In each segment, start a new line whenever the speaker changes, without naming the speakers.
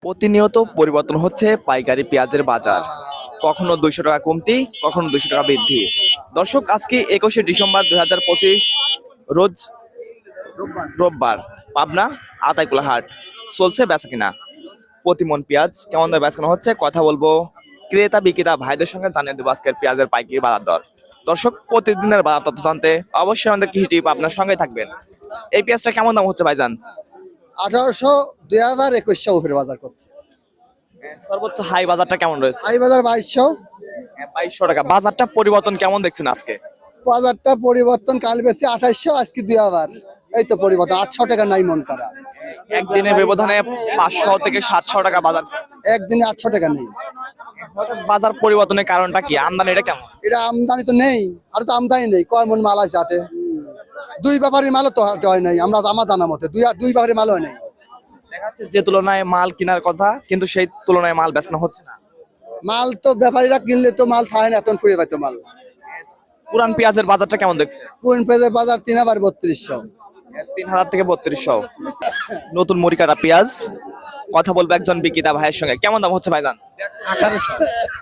প্রতিনিয়ত পরিবর্তন হচ্ছে পাইকারি পেঁয়াজের বাজার। কখনো 200 টাকা কমতি, কখনো 200 টাকা বৃদ্ধি। দর্শক, আজকে 21শে ডিসেম্বর 2025, রোজ রোববার। পাবনা আতাইকুলা হাট চলছে বেচা কিনা। প্রতিমন পেঁয়াজ কেমন দামে বেচা কেনা হচ্ছে কথা বলবো ক্রেতা বিক্রেতা ভাইদের সঙ্গে, জানিয়ে দেবো আজকের পেঁয়াজের পাইকারি বাজার দর। দর্শক, প্রতিদিনের বাজার তথ্য জানতে অবশ্যই আমাদের কৃষি টিপ আপনার সঙ্গে থাকবেন। এই পেঁয়াজটা কেমন দাম হচ্ছে ভাইজান?
1800, 2000, 2100 উপরে বাজার করছে।
সর্বোচ্চ হাই বাজারটা কেমন রয়েছে?
হাই বাজার 2200।
2200 টাকা। বাজারটা পরিবর্তন কেমন দেখছেন আজকে?
বাজারটা পরিবর্তন, কাল বেশি 2800, আজকে 2000। এই তো পরিবর্তন, 800 টাকা নাই মন করা।
একদিনের ব্যবধানে 500 থেকে 700 টাকা বাজার।
একদিনে 800 টাকা নেই।
হঠাৎ বাজার পরিবর্তনের কারণটা কি? আমদানি এটা কেমন?
এটা আমদানি তো নেই, আর তো আমদানি নেই। কয় মন মাল আছে হাটে? দুই ব্যাপারীর মালও তো হাটে হয় নাই, আমার জানা মতে দুই ব্যাপারীর মালও হয় নাই।
দেখা যাচ্ছে যে তুলনায় মাল কেনার কথা, কিন্তু সেই তুলনায় মাল বেচানো হচ্ছে না।
মাল তো ব্যাপারীরা কিনলে তো মাল থাকে না, এত ফুরিয়ে পাইতো মাল।
পুরান পেঁয়াজের বাজারটা কেমন দেখছে?
কোন পেঁয়াজের বাজার 3000-3200।
3000 থেকে 3200। নতুন মরিকাটা পেঁয়াজ কথা বলবো একজন বিক্রেতা ভাইয়ের সঙ্গে। কেমন দাম হচ্ছে ভাইজান?
1800।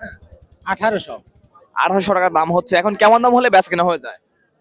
1800 টাকা দাম হচ্ছে। এখন কেমন দাম হলে বেচা কেনা হয়ে যায়?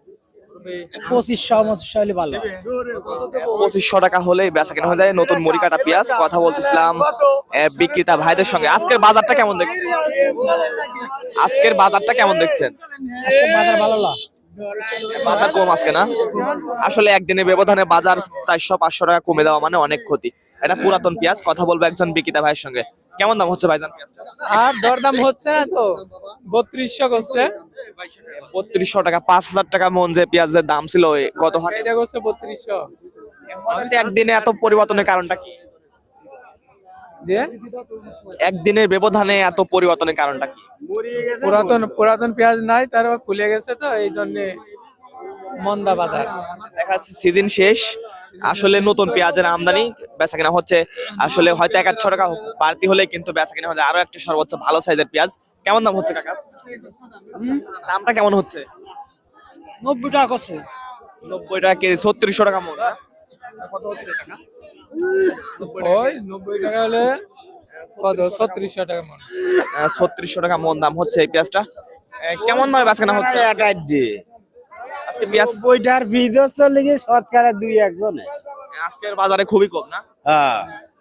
2500 হলে ভালো।
2500 টাকা হলে বেচা কেনা হয়ে যায় নতুন মরিকাটা পেঁয়াজ। কথা বলতেছিলাম বিক্রেতা ভাইদের সঙ্গে। আজকের বাজারটা কেমন দেখছেন? আজকের বাজারটা কেমন দেখছেন?
আজকে বাজার ভালো না।
বাজার কম আজকে না? আসলে একদিনের ব্যবধানে বাজার 400-500 টাকা কমে দেওয়া মানে অনেক ক্ষতি। এটা পুরাতন পেঁয়াজ। কথা বলবো একজন বিক্রেতা ভাইয়ের সঙ্গে। কেমন দাম হচ্ছে ভাইজান পেঁয়াজটা?
আর দরদাম হচ্ছে না তো, 3200 করছে।
3200 টাকা। 5000 টাকা মন যে পেঁয়াজের দাম ছিল গত হাটে,
এটা করছে 3200।
একদিনে এত পরিবর্তনের কারণটা কি?
যে
একদিনের ব্যবধানে এত পরিবর্তনের কারণটা কি?
পুরাতন পেঁয়াজ নাই, তার খুলে গেছে তো এই জন্য মন্দা বাজার।
দেখা যাচ্ছে সিজন শেষ, আসলে নতুন পেঁয়াজের আমদানি বেচা কেনা হচ্ছে। আসলে হয়তো 1-100 টাকা বাড়তি হলে কিন্তু বেচা কেনা হচ্ছে আরো একটা সর্বোচ্চ ভালো সাইজের পেঁয়াজ। কেমন দাম হচ্ছে কাকা? দামটা কেমন হচ্ছে?
90 টাকা করছে।
90 টাকা কেজি, 3600 টাকা মন। কত হচ্ছে টাকা?
ওই 90 টাকা হলে কত? 3600 টাকা মন।
3600 টাকা মন দাম হচ্ছে এই পেঁয়াজটা। কেমন দামে বেচা কেনা হচ্ছে আজকে পেঁয়াজ?
বইটার ভিডিও চলে গিয়ে শতকরা 2-1 জনে।
আজকের বাজারে খুবই কম না?
হ্যাঁ,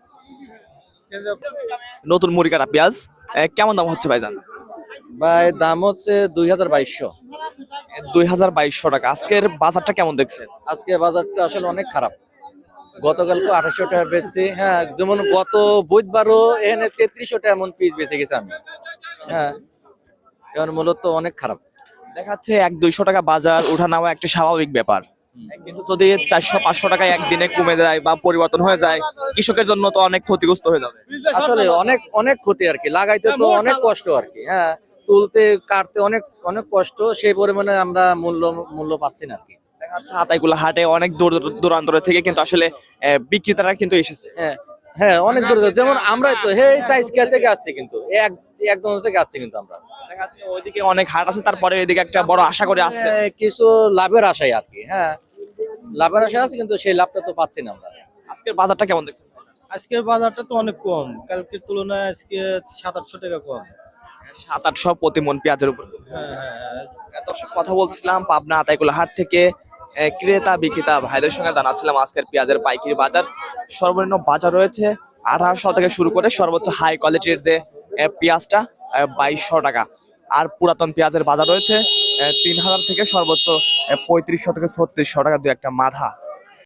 নতুন মুড়িকাটা পেঁয়াজ কেমন দাম হচ্ছে ভাইজান?
ভাই দাম হচ্ছে 2200।
2200 টাকা। আজকের বাজারটা কেমন দেখছেন?
আজকে বাজারটা আসলে অনেক খারাপ। গতকালকে 2800 টাকা বেচছি। হ্যাঁ, যেমন গত বুধবারও এখানে 3300 টাকা এমন পিস বেচে গেছে আমি। হ্যাঁ, এখন মূলত অনেক খারাপ।
দেখা যাচ্ছে 100-200 টাকা বাজার ওঠা নামা একটা স্বাভাবিক ব্যাপার, কিন্তু যদি 400-500 টাকায় একদিনে কমে যায় বা পরিবর্তন হয়ে যায়, কৃষকের জন্য তো অনেক ক্ষতিগ্রস্ত হয়ে যাবে।
আসলে অনেক অনেক ক্ষতি আর কি, লাগাইতে তো অনেক কষ্ট আর কি। হ্যাঁ, তুলতে কাটতে অনেক অনেক কষ্ট, সেই পরিমাণে আমরা মূল্য পাচ্ছি না আর কি।
দেখা যাচ্ছে আতাইকুলা হাটে অনেক দূর দূরান্তর থেকে কিন্তু আসলে বিক্রেতারা কিন্তু এসেছে।
হ্যাঁ, হ্যাঁ, অনেক দূরে। যেমন আমরাই তো সাইজ কেয়া থেকে আসছি, কিন্তু একদম থেকে আসছি কিন্তু আমরা।
দেখা যাচ্ছে ওইদিকে অনেক হাট আছে, তারপরে এদিকে একটা বড় আশা করে আসছে।
কিছু লাভের আশায় আর কি। হ্যাঁ, লাভের আশায় আছে, কিন্তু সেই লাভটা তো পাচ্ছি না আমরা।
আজকের বাজারটা কেমন দেখছেন?
আজকের বাজারটা তো অনেক কম, কালকের তুলনায় আজকে 700-800 টাকা কম।
700-800 প্রতি মন পেঁয়াজের উপর।
হ্যাঁ, হ্যাঁ,
দর্শক, কথা বলছিলাম পাবনা আতাইকুলা হাট থেকে ক্রেতা বিক্রেতা ভাইদের সঙ্গে জানাচ্ছিলাম আজকের পেঁয়াজের পাইকারি বাজার। সর্বনিম্ন বাজার রয়েছে 1800 থেকে শুরু করে সর্বোচ্চ হাই কোয়ালিটির যে পেঁয়াজটা 2200 টাকা। আর পুরাতন পেঁয়াজের বাজার রয়েছে 3000 থেকে সর্বোচ্চ 3500 থেকে 3600 টাকা, দু একটা মাথা।